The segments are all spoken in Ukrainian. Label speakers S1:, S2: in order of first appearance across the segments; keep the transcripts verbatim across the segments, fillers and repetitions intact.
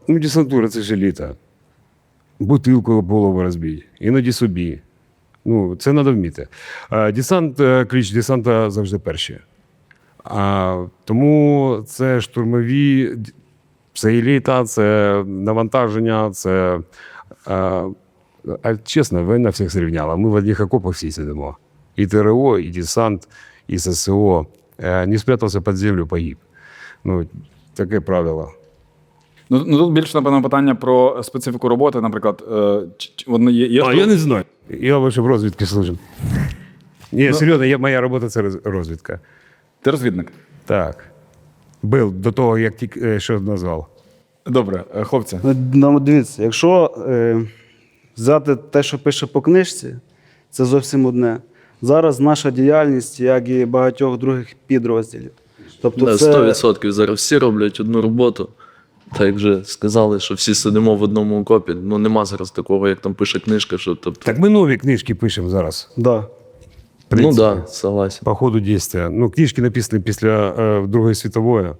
S1: Ну, десантура – це ж еліта. Бутилку об голову розбій, іноді собі. Ну, це треба вміти. А десант, е, кліч десанта завжди перші. А, тому це штурмові, це еліта, це навантаження, це... А, а чесно, війна всіх зрівняла. Ми в одних окопах всі сидимо. І ТРО, і десант, і ССО. Е, не спрятався під землю, погиб. Ну, таке правило.
S2: Ну, ну тут більше, напевно, питання про специфіку роботи, наприклад. Е, чи, чи, воно є, є
S1: А,
S2: штук-
S1: я не знаю. Я лише в розвідці служив. Ні, серйозно, я, моя робота – це роз- розвідка.
S2: Ти розвідник?
S1: Так. Був до того, як тільки е, що назвав.
S2: Добре, е, хлопці.
S3: Ну, дивіться, якщо е, взяти те, що пише по книжці, це зовсім одне. Зараз наша діяльність, як і багатьох других підрозділів. Тобто
S4: Да,
S3: це...
S4: сто відсотків зараз всі роблять одну роботу. Так як вже сказали, що всі сидимо в одному окопі. Ну нема зараз такого, як там пише книжка, що тобто.
S1: Так ми нові книжки пишемо зараз.
S3: Да.
S1: В
S4: Ну
S1: принципі,
S4: так, да, согласен.
S1: по ходу дійства. Ну, книжки написані після е, Другої світової,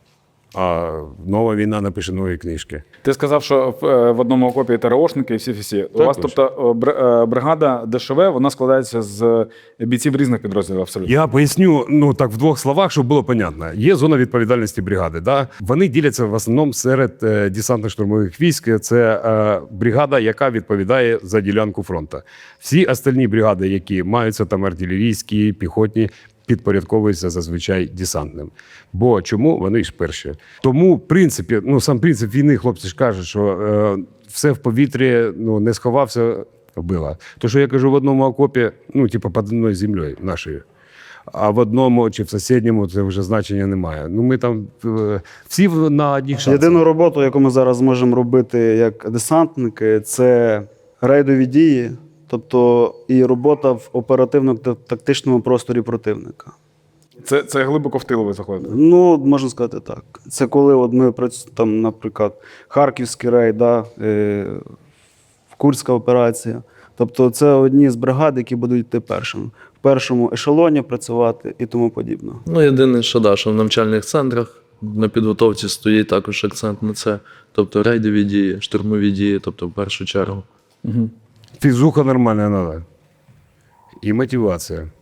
S1: а нова війна напише нові книжки.
S2: Ти сказав, що в, е, в одному окопі ТРОшники і всі-всі. У вас,
S1: точно.
S2: тобто, о, бр- е, бригада ДШВ, вона складається з бійців різних підрозділів абсолютно.
S1: Я поясню, ну так в двох словах, щоб було понятно. Є зона відповідальності бригади. Да? Вони діляться в основному серед е, десантно-штурмових військ. Це е, бригада, яка відповідає за ділянку фронту. Всі остальні бригади, які маються там артилерійські, піхотні, підпорядковуються зазвичай десантним. Бо чому? Вони ж перші. Тому, в принципі, ну сам принцип війни, хлопці ж кажуть, що е, все в повітрі, ну не сховався, вбила. То, що я кажу, в одному окопі, ну, типу, під одною землею нашою. А в одному чи в сусідньому це вже значення немає. Ну, ми там е, всі в- на одніх шансах.
S3: Єдину роботу, яку ми зараз можемо робити як десантники, це рейдові дії, тобто і робота в оперативно-тактичному просторі противника.
S2: Це, це глибоко в тил ви заходите.
S3: Ну, можна сказати так. Це коли от ми працюємо, там, наприклад, Харківський рейд, да, е, Курська операція. Тобто це одні з бригад, які будуть йти першими. В першому ешелоні працювати і тому подібне.
S4: Ну єдине, що да, що в навчальних центрах на підготовці стоїть також акцент на це. Тобто рейдові дії, штурмові дії, тобто в першу чергу.
S1: Фізуха нормальна треба. І мотивація.